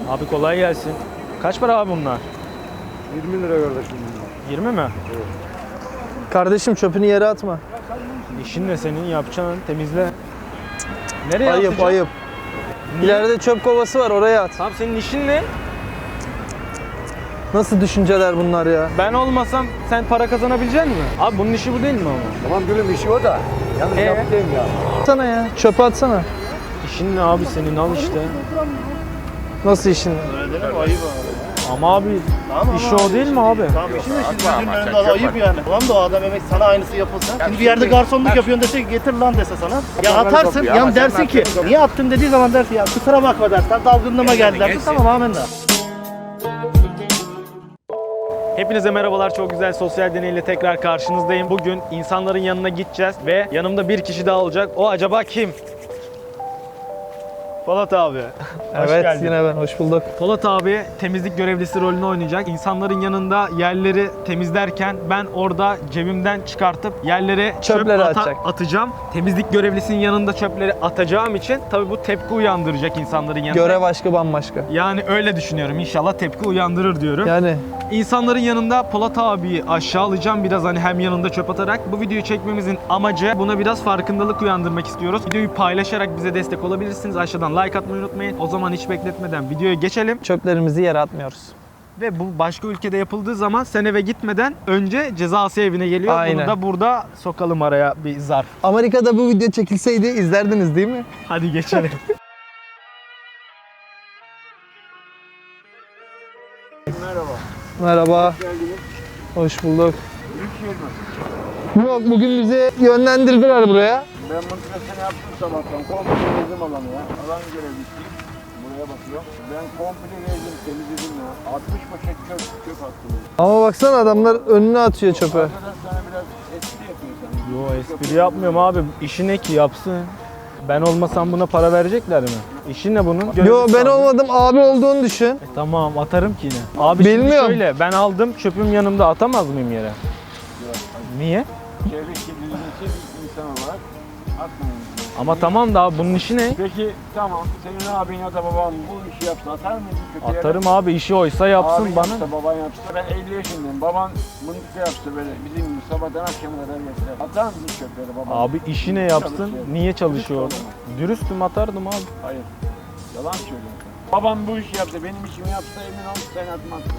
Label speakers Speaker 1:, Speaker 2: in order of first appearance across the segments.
Speaker 1: Abi kolay gelsin. Kaç para abi bunlar?
Speaker 2: 20 lira kardeşim bunlar.
Speaker 1: 20 mi?
Speaker 2: Evet.
Speaker 3: Kardeşim çöpünü yere atma.
Speaker 1: İşin ne senin yapacağın temizle. Nereye
Speaker 3: Ayıp
Speaker 1: atacaksın?
Speaker 3: ayıp. İleride çöp kovası var, oraya at.
Speaker 1: Tamam senin işin ne?
Speaker 3: Nasıl düşünceler bunlar ya?
Speaker 1: Ben olmasam sen para kazanabilecek misin? Abi bunun işi bu değil mi ama?
Speaker 2: Tamam gülüm işi o da. Yalnız yaptığım ya.
Speaker 3: Atsana ya, çöpe atsana.
Speaker 1: İşin ne abi senin al işte.
Speaker 3: Nasıl işin?
Speaker 4: Ayıp abi.
Speaker 1: Ama abi işi o değil mi abi?
Speaker 4: Tamam işin de şimdi gözünün önünde ayıp yani. Tamam da o adam emek sana aynısı yapılsa. Şimdi bir yerde garsonluk yapıyorsun dese getir lan dese sana. Ya atarsın ya dersin ki niye attın dediği zaman dersin ya kusura bakma dersen dalgınlığıma geldi dersin tamam amenna.
Speaker 1: Hepinize merhabalar. Çok güzel sosyal deneyle tekrar karşınızdayım. Bugün insanların yanına gideceğiz ve yanımda bir kişi daha olacak. O acaba kim? Polat abi. Hoş
Speaker 3: Evet,
Speaker 1: geldin.
Speaker 3: yine ben, hoş bulduk.
Speaker 1: Polat abi temizlik görevlisi rolünü oynayacak. İnsanların yanında yerleri temizlerken ben orada cebimden çıkartıp yerlere
Speaker 3: Çöpleri
Speaker 1: çöp
Speaker 3: atacak.
Speaker 1: atacağım. Temizlik görevlisinin yanında çöpleri atacağım için tabii bu tepki uyandıracak insanların yanında.
Speaker 3: Görev aşkı bambaşka.
Speaker 1: Yani öyle düşünüyorum. İnşallah tepki uyandırır diyorum.
Speaker 3: Yani
Speaker 1: İnsanların yanında Polat abiyi aşağılayacağım biraz hani hem yanında çöp atarak. Bu videoyu çekmemizin amacı buna biraz farkındalık uyandırmak istiyoruz. Videoyu paylaşarak bize destek olabilirsiniz. Aşağıdan like atmayı unutmayın. O zaman hiç bekletmeden videoya geçelim.
Speaker 3: çöplerimizi yere atmıyoruz.
Speaker 1: Ve bu başka ülkede yapıldığı zaman sen eve gitmeden önce cezası evine geliyor.
Speaker 3: Aynen.
Speaker 1: Bunu da burada sokalım araya bir zarf.
Speaker 3: Amerika'da bu video çekilseydi izlerdiniz değil mi?
Speaker 1: Hadi geçelim.
Speaker 3: Merhaba. Hoş bulduk. Yok, bugün bizi yönlendirdiler buraya.
Speaker 2: Ben mıntıkasını yaptım sabahtan. Komple gezdim alanı ya. Alan görevlisiyim. Buraya bakıyorum. Ben komple gezdim, temizledim ya. 60 paket çöp attım.
Speaker 3: Ama baksana adamlar önüne atıyor çöpe.
Speaker 2: Arkadaş sana biraz espri yapıyor sen.
Speaker 1: Yo espri yapmıyorum abi. İşi ne ki yapsın. Ben olmasam buna para verecekler mi? İşi ne bunun?
Speaker 3: Yo,
Speaker 1: Görevlisi
Speaker 3: ben
Speaker 1: abi.
Speaker 3: olmadım, abi olduğunu düşün.
Speaker 1: Tamam atarım ki yine. Abi şimdi
Speaker 3: Bilmiyorum.
Speaker 1: şöyle ben aldım çöpüm yanımda atamaz mıyım yere? Niye?
Speaker 2: Çevre kirliliği için insan olarak atmayın.
Speaker 1: Ama tamam da abi bunun işi ne?
Speaker 2: Peki tamam, senin abin ya da baban bu işi yapsa atar mıydın kötü yere?
Speaker 1: Atarım abi işi oysa yapsın
Speaker 2: Abin
Speaker 1: bana.
Speaker 2: yapsa, baban yapsa. Ben 50 yaşındayım. Baban mıntıka yapsa böyle bizim gibi sabahtan akşama kadar geçse. Atar mısın çöpleri baban?
Speaker 1: Abi işi ne yapsın?
Speaker 2: Çalışıyor.
Speaker 1: Niye çalışıyor orada?
Speaker 2: Dürüst ol
Speaker 1: Dürüstüm atardım abi.
Speaker 2: Hayır. Yalan söylüyorsun. Babam bu işi yapsa, benim işimi yapsa emin ol sen atmazsın.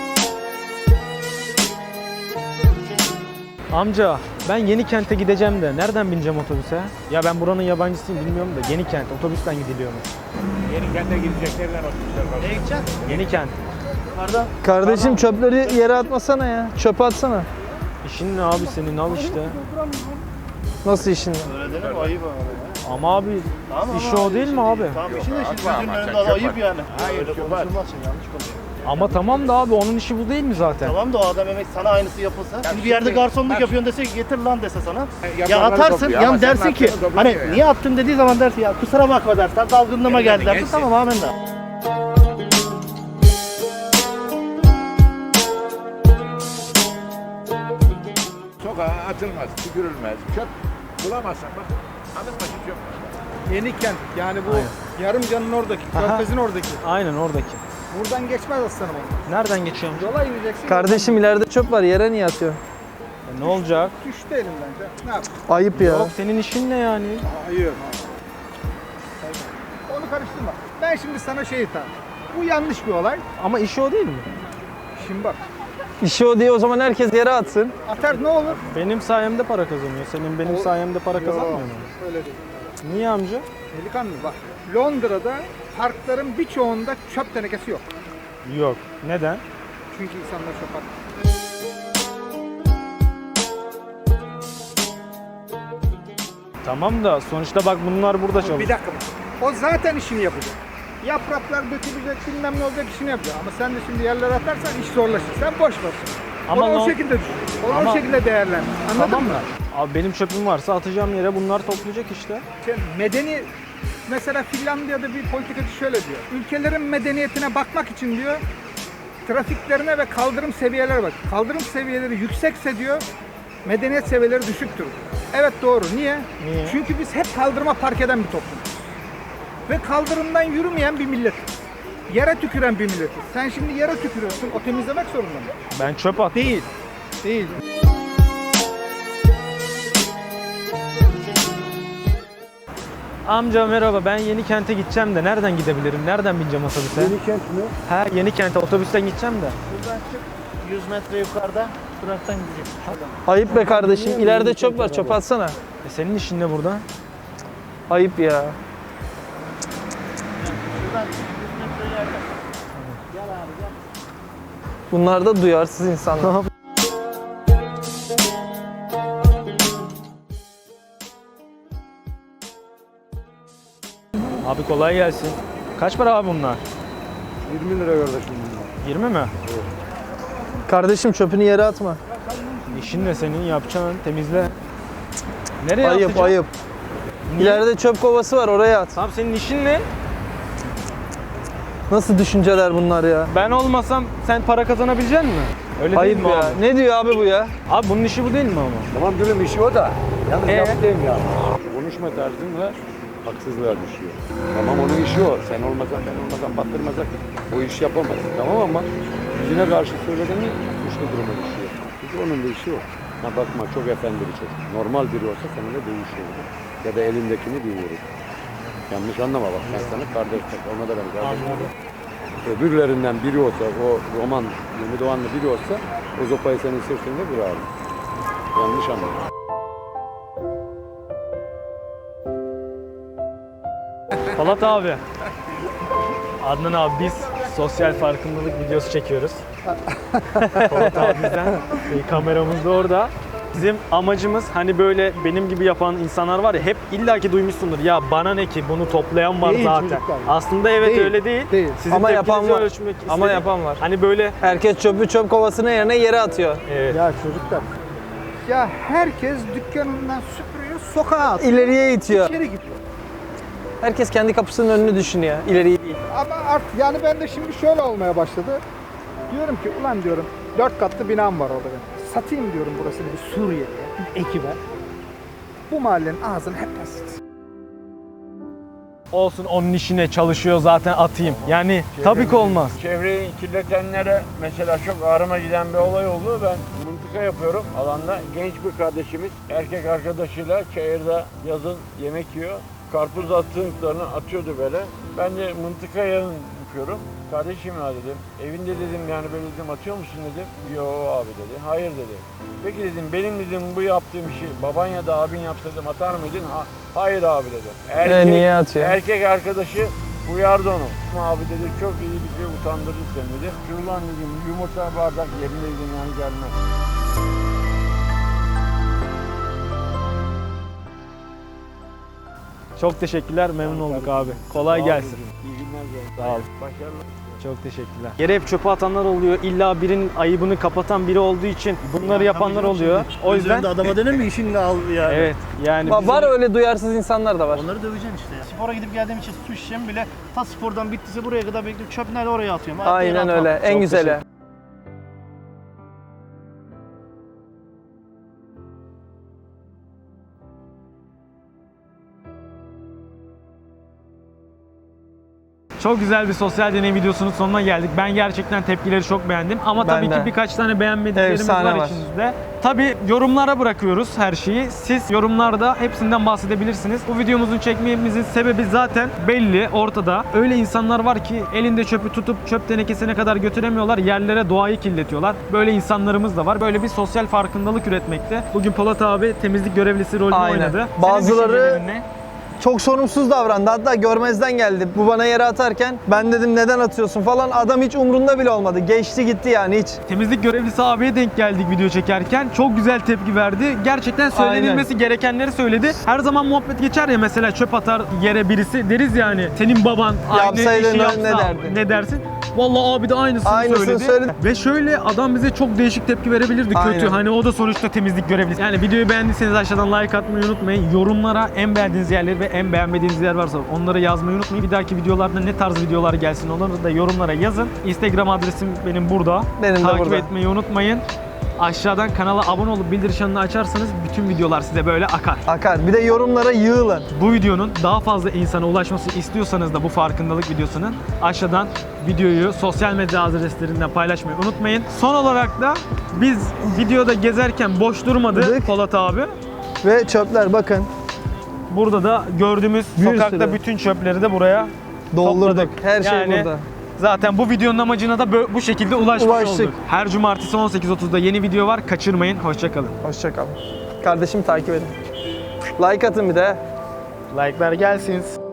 Speaker 1: Amca ben Yenikent'e gideceğim de nereden bineceğim otobüse? Ya ben buranın yabancısıyım bilmiyorum da Yenikent otobüsten gidiliyormuş.
Speaker 2: Yenikent'e gideceklerle otobüsler var.
Speaker 4: Ne gideceksin?
Speaker 1: Yenikent.
Speaker 4: Nerede?
Speaker 3: Kardeşim çöpleri yere atmasana ya. Çöpe atsana.
Speaker 1: İşin ne abi senin al işte.
Speaker 3: Nasıl işin?
Speaker 4: Öyle değil mi? Ayıp abi.
Speaker 1: Ama abi
Speaker 4: Tamam,
Speaker 1: işi o değil mi abi?
Speaker 4: Tamam işin de şimdi gözünün önünde ayıp yani.
Speaker 2: Hayır,
Speaker 4: Öyle
Speaker 2: çöp
Speaker 4: konuşulmaz şimdi yanlış konuşuyor.
Speaker 1: Ama tamam da abi onun işi bu değil mi zaten?
Speaker 4: Tamam da o adam emek sana aynısı yapılsa. Şimdi bir yerde garsonluk yapıyorsun dese getir lan dese sana. Ya
Speaker 2: yapanları
Speaker 4: atarsın
Speaker 2: topluyor ama
Speaker 4: ya
Speaker 2: sen
Speaker 4: dersin ki
Speaker 2: attığını topluyor
Speaker 4: hani
Speaker 2: ya.
Speaker 4: niye attın dediği zaman dersin ya kusura bakma dersen dalgınlığıma geldi dersin tamam amenna.
Speaker 5: Sokağa atılmaz, tükürülmez. Çöp bulamazsan bak, adım başı çöp var.
Speaker 6: Yenikent yani bu Yarımcan'ın oradaki,
Speaker 1: Aha.
Speaker 6: Körfez'in oradaki.
Speaker 1: Aynen oradaki.
Speaker 6: Buradan geçmez aslanım onlar.
Speaker 1: Nereden geçiyorum?
Speaker 6: Yola yürüyeceksin.
Speaker 3: Kardeşim ileride çöp var, yere niye atıyor?
Speaker 1: Ne olacak?
Speaker 6: Düştü elimden. Ne yap?
Speaker 3: Ayıp ya.
Speaker 1: Yok senin işin ne yani?
Speaker 6: Hayır. Onu karıştırma. Ben şimdi sana şeyi tarif. Bu yanlış bir olay.
Speaker 1: Ama işi o değil mi?
Speaker 6: Şimdi bak.
Speaker 3: İşi o diye o zaman herkes yere atsın.
Speaker 6: Atar ne olur?
Speaker 1: Benim sayemde para kazanıyor. Senin benim sayemde para kazanmıyor mu?
Speaker 6: Öyle değil.
Speaker 1: Niye amca?
Speaker 6: Delikanlı bak. Londra'da parkların birçoğunda çöp tenekesi yok.
Speaker 1: Yok. Neden?
Speaker 6: Çünkü insanlar çöp atmıyor.
Speaker 1: Tamam da sonuçta bak bunlar burada
Speaker 6: Bir
Speaker 1: çalışıyor.
Speaker 6: dakika bak. O zaten işini yapacak. Yapraklar dökülecek bilmem ne olacak işini yapacak. Ama sen de şimdi yerlere atarsan iş zorlaşır. Sen boş ver.
Speaker 1: Ama
Speaker 6: Onu
Speaker 1: no-
Speaker 6: o şekilde düşün. Onu
Speaker 1: Ama-
Speaker 6: o şekilde değerlendir. Anladın
Speaker 1: Tamam
Speaker 6: mı?
Speaker 1: mı? Abi benim çöpüm varsa atacağım yere bunlar toplayacak işte.
Speaker 6: Medeni mesela Finlandiya'da bir politikacı şöyle diyor. Ülkelerin medeniyetine bakmak için diyor trafiklerine ve kaldırım seviyeleri bak. Kaldırım seviyeleri yüksekse diyor medeniyet seviyeleri düşüktür. Evet doğru. Niye?
Speaker 1: Niye?
Speaker 6: Çünkü biz hep kaldırıma park eden bir toplumuz. Ve kaldırımdan yürümeyen bir millet. Yere tüküren bir milletiz. Sen şimdi yere tükürüyorsun, o temizlemek zorunda mı?
Speaker 1: Ben çöp attım.
Speaker 6: Değil. Değil.
Speaker 1: Amca merhaba, ben Yenikent'e gideceğim de nereden gidebilirim? Nereden bineceğim otobüse?
Speaker 2: Yenikent mi?
Speaker 1: Ha, Yenikent'e otobüsten gideceğim de.
Speaker 4: Buradan çık 100 metre yukarıda duraktan gideceksin.
Speaker 3: Ayıp be kardeşim. İleride çöp var. Çöp atsana.
Speaker 1: Senin işin ne burada?
Speaker 3: Ayıp ya.
Speaker 4: Şuradan çık 100 metre ileride. Gel abi gel.
Speaker 3: Bunlar da duyarsız insanlar.
Speaker 1: Abi kolay gelsin. Kaç para abi bunlar?
Speaker 2: 20 lira kardeşim bunlar.
Speaker 1: 20 mi?
Speaker 3: Kardeşim çöpünü yere atma.
Speaker 1: İşin ne senin? Yapacağın temizle. Nereye
Speaker 3: Ayıp
Speaker 1: atacaksın?
Speaker 3: ayıp. İleride çöp kovası var, oraya at.
Speaker 1: Tamam, senin işin ne?
Speaker 3: Nasıl düşünceler bunlar ya?
Speaker 1: Ben olmasam sen para kazanabilecek misin? Öyle
Speaker 3: Ayıp
Speaker 1: değil mi
Speaker 3: ya.
Speaker 1: abi?
Speaker 3: Ne diyor abi bu ya?
Speaker 1: Abi bunun işi bu değil mi ama?
Speaker 2: Tamam gülüm işi o da. Yalnız yaptığım ya.
Speaker 7: Konuşma tarzınla haksızlığa düşüyor. Tamam onun işi o. Sen olmasan ben olmasam battırmasak o iş yapamaz. Tamam ama yüzüne karşı söylediğin mi suçlu duruma düşüyor. Çünkü onun da işi o. Ha bakma çok efendi bir çocuk. Normal biri olsa seninle dövüşüyor. Ya da elindekini dinliyor. Yanlış anlama bak ben sana kardeş tak. Ona da ben kardeşim. Öbürlerinden biri olsa, o roman Yeni Doğanlı biri olsa o zopayı senin sırtında kırardı. Yanlış anlama.
Speaker 1: Polat abi. Adnan abi, biz sosyal farkındalık videosu çekiyoruz. Polat abimizden. Kameramız da orada. Bizim amacımız hani böyle benim gibi yapan insanlar var ya, hep illaki duymuşsundur. Ya bana ne ki, bunu toplayan var
Speaker 6: Değil
Speaker 1: zaten.
Speaker 6: çocuklar.
Speaker 1: Aslında evet
Speaker 6: Değil,
Speaker 1: öyle değil.
Speaker 6: değil.
Speaker 1: Sizin
Speaker 3: Ama yapan
Speaker 1: tepkinizi
Speaker 3: var.
Speaker 1: ölçmek
Speaker 3: Ama
Speaker 1: istedim.
Speaker 3: yapan var.
Speaker 1: Hani böyle
Speaker 3: Herkes çöpü çöp kovasının yerine yere atıyor.
Speaker 1: evet.
Speaker 6: Ya çocuklar. Ya herkes dükkanından süpürüyor, sokağa atıyor.
Speaker 3: İleriye itiyor.
Speaker 6: İçeri gidiyor.
Speaker 3: Herkes kendi kapısının önünü düşünüyor. İleriyi değil.
Speaker 6: Ama artık yani ben de şimdi şöyle olmaya başladı. Diyorum ki ulan diyorum 4 katlı binam var orada benim. Satayım diyorum burasını bir Suriyeli'ye, bir ekibe. Bu mahallenin ağzını hep basit.
Speaker 1: Olsun, onun işine çalışıyor zaten, atayım. Yani tabii ki olmaz.
Speaker 5: Çevreyi kirletenlere mesela çok ağrıma giden bir olay oldu. Ben mıntıka yapıyorum alanda. Genç bir kardeşimiz erkek arkadaşıyla çayırda yazın yemek yiyor. Karpuz attıklarını atıyordu böyle. Ben de mıntıka yağını yapıyorum. Kardeşim ya dedim, evinde dedim yani böyle dedim atıyor musun dedim. Yo abi dedi, hayır dedi. Peki dedim, benim dedim bu yaptığım işi baban ya da abin yapsa dedim atar mıydın? Hayır abi dedi.
Speaker 3: Niye atıyor?
Speaker 5: Erkek arkadaşı uyardı onu. Abi dedi çok iyi bir şey, utandırdı seni dedi. Şurulan dedim yumurta bardak yerine dedim yani gelmez.
Speaker 1: Çok teşekkürler, memnun olduk abi. Kolay gelsin.
Speaker 5: İyi günler.
Speaker 1: Sağ ol.
Speaker 5: Başarılı.
Speaker 1: Çok teşekkürler. Yere hep çöpe atanlar oluyor. İlla birinin ayıbını kapatan biri olduğu için bunları yapanlar oluyor. O yüzden
Speaker 4: Üzerinde adama denir mi işinle al yani.
Speaker 1: evet yani
Speaker 3: Var öyle duyarsız insanlar da var.
Speaker 4: Onları döveceksin işte ya. Spora gidip geldiğim için su şişemi bile ta spordan bittiyse buraya kadar bekliyorum. Çöp nerede oraya atıyorum. Hayatta yere
Speaker 3: Aynen
Speaker 4: atmam.
Speaker 3: öyle. En
Speaker 1: Çok
Speaker 3: güzeli.
Speaker 1: çok güzel bir sosyal deney videosunun sonuna geldik. Ben gerçekten tepkileri çok beğendim. Ama
Speaker 3: Ben
Speaker 1: tabii
Speaker 3: de.
Speaker 1: ki birkaç tane beğenmediklerimiz
Speaker 3: Efsane var.
Speaker 1: içimizde. Tabii yorumlara bırakıyoruz her şeyi. Siz yorumlarda hepsinden bahsedebilirsiniz. Bu videomuzun çekmemizin sebebi zaten belli, ortada. Öyle insanlar var ki elinde çöpü tutup çöp tenekesine kadar götüremiyorlar. Yerlere, doğayı kirletiyorlar. Böyle insanlarımız da var. Böyle bir sosyal farkındalık üretmekte. Bugün Polat abi temizlik görevlisi rolünü
Speaker 3: Aynen.
Speaker 1: oynadı.
Speaker 3: Bazıları-
Speaker 1: Senin düşüncelerin ne?
Speaker 3: Çok sorumsuz davrandı. Hatta görmezden geldi. Bu bana yere atarken ben dedim neden atıyorsun falan. Adam hiç umrunda bile olmadı. Geçti gitti yani hiç.
Speaker 1: Temizlik görevlisi abiye denk geldik video çekerken. Çok güzel tepki verdi. Gerçekten söylenilmesi gerekenleri söyledi. Her zaman muhabbet geçer ya, mesela çöp atar yere birisi, deriz yani senin baban aynı
Speaker 3: Yapsaydın
Speaker 1: işi yapsa
Speaker 3: ne derdin?
Speaker 1: ne dersin? Vallahi abi de aynısını söyledi. Ve şöyle adam bize çok değişik tepki verebilirdi, kötü.
Speaker 3: Aynen.
Speaker 1: Hani o da sonuçta temizlik görevlisi. Yani videoyu beğendiyseniz aşağıdan like atmayı unutmayın. Yorumlara en beğendiğiniz yerleri ve en beğenmediğiniz yer varsa onları yazmayı unutmayın. Bir dahaki videolarda ne tarz videolar gelsin onları da yorumlara yazın. Instagram adresim benim burada.
Speaker 3: Benim de
Speaker 1: Takip
Speaker 3: burada.
Speaker 1: etmeyi unutmayın. aşağıdan kanala abone olup bildirim çanını açarsanız bütün videolar size böyle akar.
Speaker 3: Akar. Bir de yorumlara yığılın.
Speaker 1: Bu videonun daha fazla insana ulaşması istiyorsanız da bu farkındalık videosunun aşağıdan videoyu sosyal medya adreslerinden paylaşmayı unutmayın. Son olarak da biz videoda gezerken boş durmadı
Speaker 3: Dedik.
Speaker 1: Polat abi.
Speaker 3: Ve çöpler bakın.
Speaker 1: Burada da gördüğümüz
Speaker 3: Bir
Speaker 1: sokakta
Speaker 3: sürü.
Speaker 1: bütün çöpleri de buraya
Speaker 3: Doldurduk.
Speaker 1: topladık.
Speaker 3: Her şey
Speaker 1: Yani
Speaker 3: burada.
Speaker 1: zaten bu videonun amacına da bu şekilde ulaşmış
Speaker 3: Ulaştık.
Speaker 1: olduk. Her cumartesi 18.30'da yeni video var. Kaçırmayın. Hoşçakalın.
Speaker 3: Hoşçakalın. Kardeşim takip edin. Like atın bir de.
Speaker 1: Like'lar gelsin.